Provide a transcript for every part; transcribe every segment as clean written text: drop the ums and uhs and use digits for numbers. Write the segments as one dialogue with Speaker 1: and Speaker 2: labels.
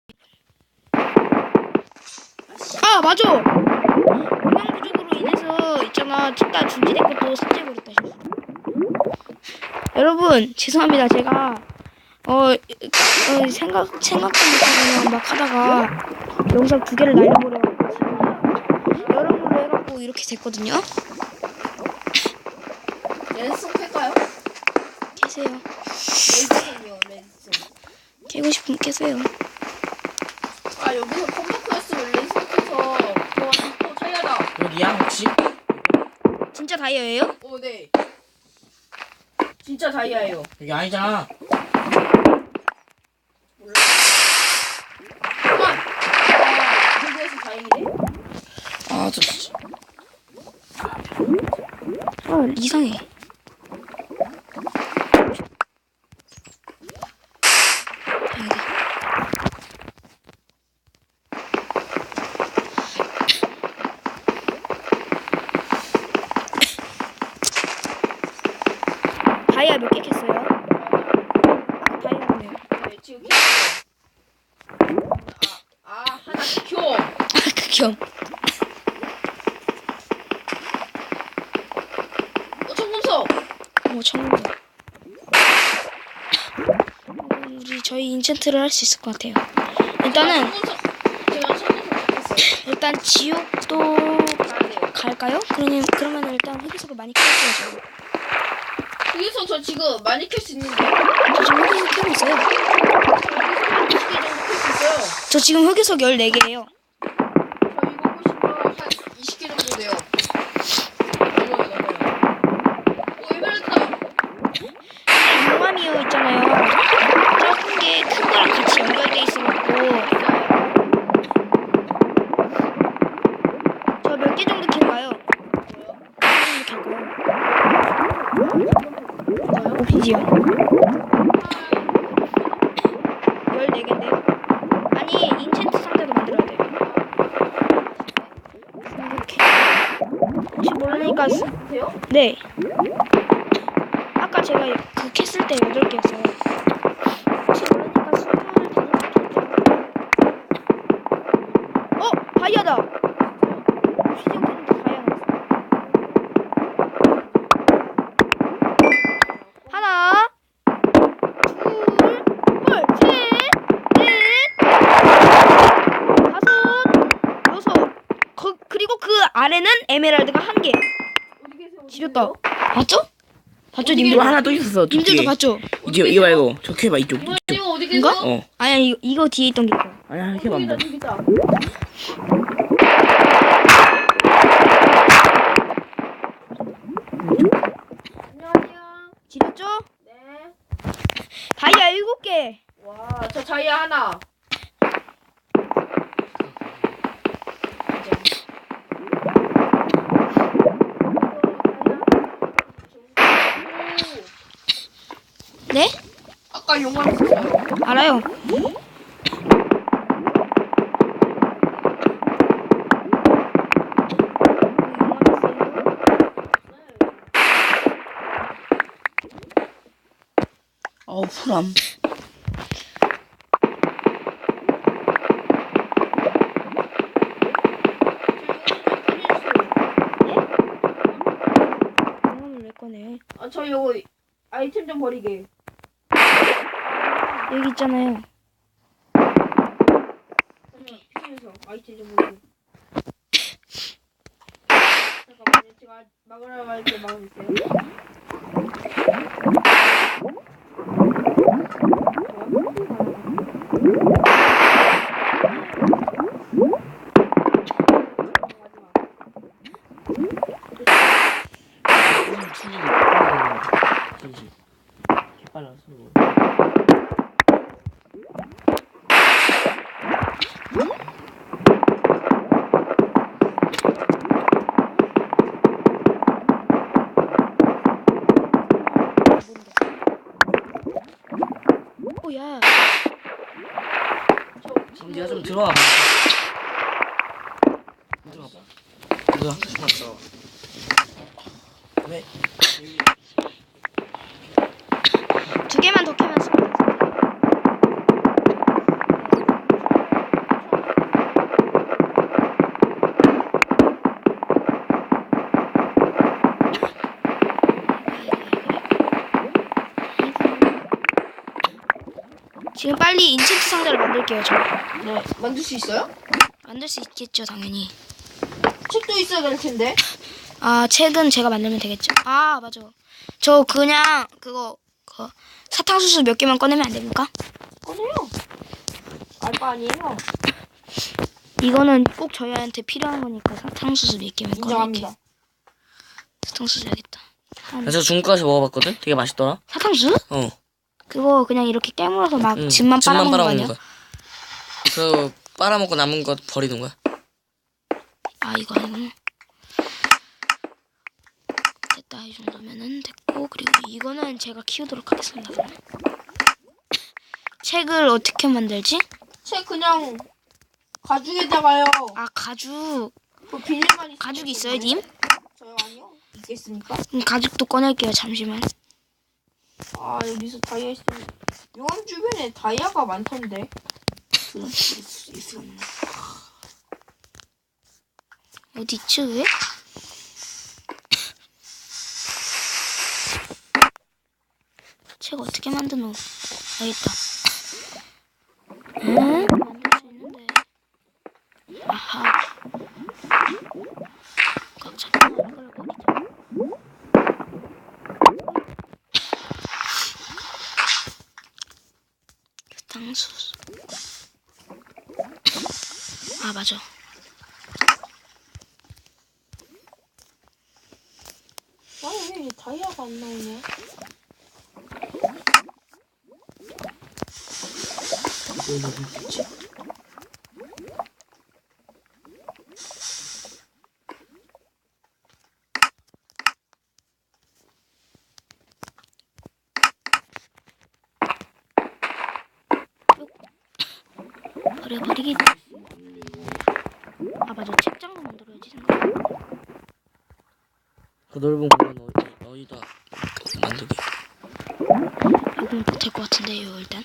Speaker 1: 아 맞아. 영양 부족으로 인해서 있잖아 뒷다 중지된 것도 삭제해버렸다. 여러분 죄송합니다. 제가 생각도 못하고 막 하다가 영상 2개를 날려버려갖고 지금 여러모로 해갖고 이렇게 됐거든요.
Speaker 2: 랜선 캘까요?
Speaker 1: 계세요.
Speaker 2: 랜선이요, 랜선.
Speaker 1: 깨고 싶으면 깨세요.
Speaker 2: 아, 여기서 컴퓨터였으면 랜선 캐서 또 차야다.
Speaker 3: 여기야 혹시?
Speaker 1: 진짜 다이어예요?
Speaker 2: 네. 진짜 다이아예요.
Speaker 3: 여기 아니잖아.
Speaker 2: 몰라. 그래서 다행이네.
Speaker 3: 아 저 진짜.
Speaker 1: 이상해. 다이아 몇 개 캤어요? 다이아네요.
Speaker 2: 네, 지금 켰어요. 하나 켜.
Speaker 1: 극혐.
Speaker 2: 청금석.
Speaker 1: 청구. 우리 저희 인챈트를 할 수 있을 것 같아요. 일단은
Speaker 2: 제가 청금석 켰어요.
Speaker 1: 일단 지옥도
Speaker 2: 가야 돼요.
Speaker 1: 갈까요? 그러면 일단 흑이석을 많이 켜줘야죠.
Speaker 2: 여기서 저 지금 많이 켤 수 있는데.
Speaker 1: 저 지금 흑이석 켜고 있어요.
Speaker 2: 20개 정도 켤 수 있어요.
Speaker 1: 저 지금 흑이석 14개예요.
Speaker 2: 저 이거 보시면 한 20개 정도 돼요. 넘어요. 에메랄드다.
Speaker 1: 용암이요 있잖아요. 작은 게 큰 거랑 같이 연결돼 있어갖고 저 몇 개 정도 켤까요? 몇 개 정도 켤까요? 오피지요. 14개인데요? 아니 인챈트 상자도 만들어야 돼요. 이렇게 혹시 모르니까
Speaker 2: 돼요?
Speaker 1: 네. 아까 제가 그 캤을 때 8개였어요. 혹시 모르니까 20을 다이아다! 시즌 켰는데 다이아 나왔어. 하나, 둘, 셋, 넷, 다섯, 여섯. 그리고 그 아래는 에메랄드가 1개.
Speaker 2: 어디 계세요?
Speaker 1: 지렸다. 봤죠? 봤죠,
Speaker 3: 이거
Speaker 1: 님들?
Speaker 3: 하나 또 있었어.
Speaker 1: 님들도 봤죠?
Speaker 3: 이거 말고 저 켜봐 이쪽.
Speaker 2: 뭐야,
Speaker 3: 이쪽.
Speaker 2: 이거 어디
Speaker 1: 이거?
Speaker 2: 계세요?
Speaker 3: 어.
Speaker 1: 아니야, 이거 뒤에 있던 게 있어.
Speaker 3: 아니야 켜봐 한번.
Speaker 2: 저기다. 안녕하세요.
Speaker 1: 지렸죠?
Speaker 2: 네.
Speaker 1: 다이아 7개.
Speaker 2: 와, 저 다이아 하나.
Speaker 1: 네?
Speaker 2: 아까 용암 있었어요.
Speaker 1: 알아요.
Speaker 3: 어우 풀함.
Speaker 1: 용암을 왜 꺼내?
Speaker 2: 저 이거 아이템 좀 버리게.
Speaker 1: 여기 있잖아요.
Speaker 2: 피해서 아이템 좀 버리게. 잠깐만요. 제가 막으라고 할 때 막아주세요.
Speaker 3: 빨라서.
Speaker 1: 오야.
Speaker 3: 그럼 네가 좀 들어와 봐. 들어와 봐. 뭐야? 왔어. 왜?
Speaker 1: 2개만 더 캐면 지금 빨리 인챈트 상자를 만들게요. 저
Speaker 2: 네. 만들 수 있어요?
Speaker 1: 만들 수 있겠죠, 당연히.
Speaker 2: 책도 있어야 될 텐데.
Speaker 1: 아, 책은 제가 만들면 되겠죠. 아, 맞아. 저 그냥 그거 사탕수수 몇 개만 꺼내면 안 됩니까?
Speaker 2: 꺼내요. 알바 아니에요.
Speaker 1: 이거는 꼭 저희한테 필요한 거니까 사탕수수 몇 개만 꺼낼게.
Speaker 2: 인정합니다.
Speaker 1: 사탕수수 해야겠다.
Speaker 3: 저 중국 가서 먹어봤거든? 되게 맛있더라.
Speaker 1: 사탕수수?
Speaker 3: 어.
Speaker 1: 그거 그냥 이렇게 깨물어서 막
Speaker 3: 응.
Speaker 1: 즙만 빨아먹는 거 아니야?
Speaker 3: 거야. 그 빨아먹고 남은 거 버리는 거야.
Speaker 1: 아, 이거 아니구나. 됐다, 이 정도면은 됐고. 그리고 이거는 제가 키우도록 하겠습니다. 그러면. 책을 어떻게 만들지?
Speaker 2: 책 그냥 가죽에다가요.
Speaker 1: 아, 가죽.
Speaker 2: 그 비닐만 있어요.
Speaker 1: 가죽 있어요, 님?
Speaker 2: 저요 아니요. 있겠습니까?
Speaker 1: 그럼 가죽도 꺼낼게요. 잠시만.
Speaker 2: 아 여기서 다이아 있으면 용암 주변에 다이아가 많던데.
Speaker 1: 어디 있지, 왜? 책 어떻게 만드노? 알겠다. 응? 만들 수 있는데. 아하. 꽉 잡고 이걸 버리자. 사탕수수. 아, 맞아.
Speaker 2: 아니 왜 다이아가 안 나오냐?
Speaker 1: 버리기. 아, 맞아. 책장도 만들어야지, 생각.
Speaker 3: 그 넓은 공간 어디다 만들게.
Speaker 1: 이건 못할 것 같은데요, 일단.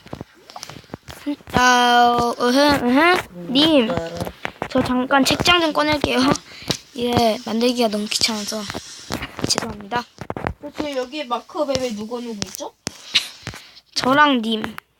Speaker 1: 님, 저 잠깐 책장 좀 꺼낼게요. 이게 만들기가 너무 귀찮아서. 죄송합니다.
Speaker 2: 그렇게 여기에 마크맵에 누구 있죠?
Speaker 1: 저랑 님.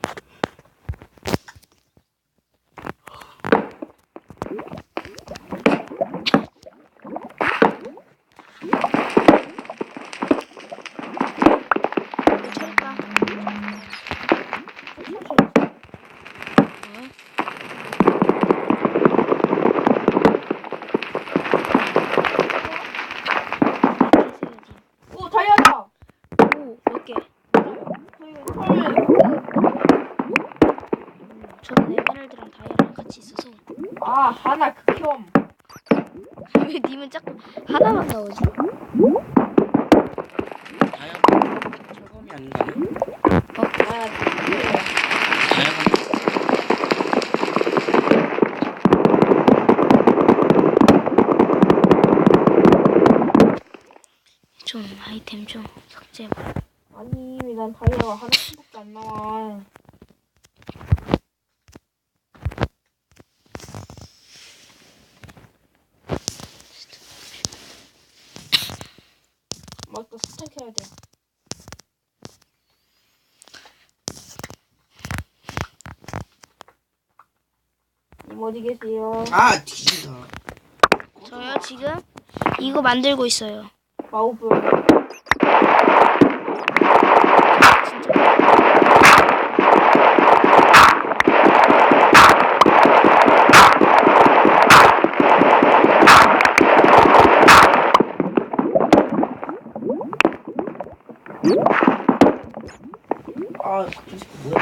Speaker 2: 오 다이아다.
Speaker 1: 오, 몇 개? 저는 에메랄드랑 다이아랑 같이 있어서.
Speaker 2: 아 하나 극혐.
Speaker 1: 왜 님은 자꾸 하나만 나오지?
Speaker 3: 다이아가 철검이 아닌가?
Speaker 2: 아
Speaker 3: 다이아가
Speaker 1: 좀 아이템 좀 삭제.
Speaker 2: 아니 왜 난 다이아가 하나씩밖에 안 나와. 맞다 스택해야 돼. 님 어디 계세요?
Speaker 3: 아 뒤진다.
Speaker 1: 저요 지금 이거 만들고 있어요.
Speaker 2: 마우브.
Speaker 3: 아 갑자기 뭐야?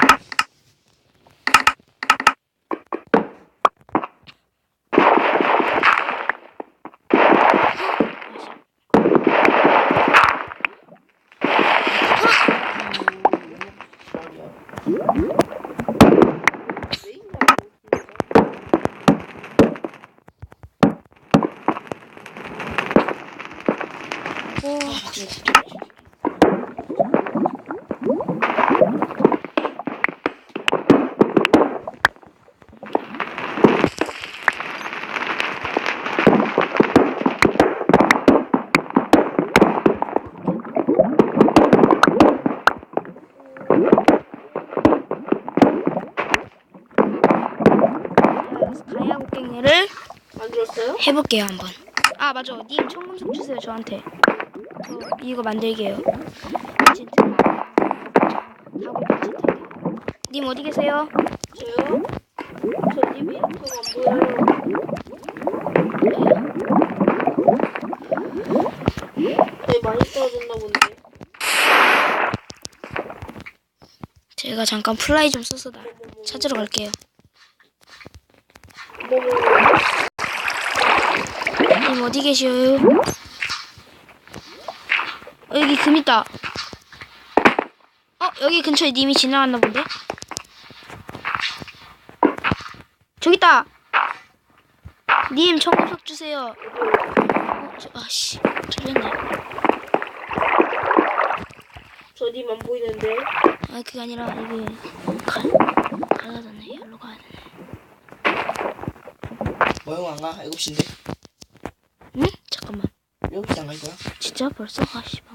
Speaker 1: 땡땡이를
Speaker 2: 만들었어요?
Speaker 1: 해볼게요 한번. 아 맞아. 님 청금석 주세요 저한테. 저 이거 만들게요. 진짜. 하고 진짜. 님 어디 계세요?
Speaker 2: 저요? 저 님이 인터가 안 보여요. 네, 많이 떨어졌나 본데.
Speaker 1: 제가 잠깐 플라이 좀 써서 찾으러 갈게요. 님 어디 계셔요? 여기 금 있다. 여기 근처에 님이 지나갔나 본데? 저기 있다. 님 청금석 주세요. 아씨 틀렸네.
Speaker 2: 저 님 안 보이는데.
Speaker 1: 아 그게 아니라 이게 갈라졌네. 여기로 가야 되네.
Speaker 3: 뭐형 안 가? 7시인데?
Speaker 1: 응? 잠깐만.
Speaker 3: 7시 안 갈 거야?
Speaker 1: 진짜 벌써? 아씨.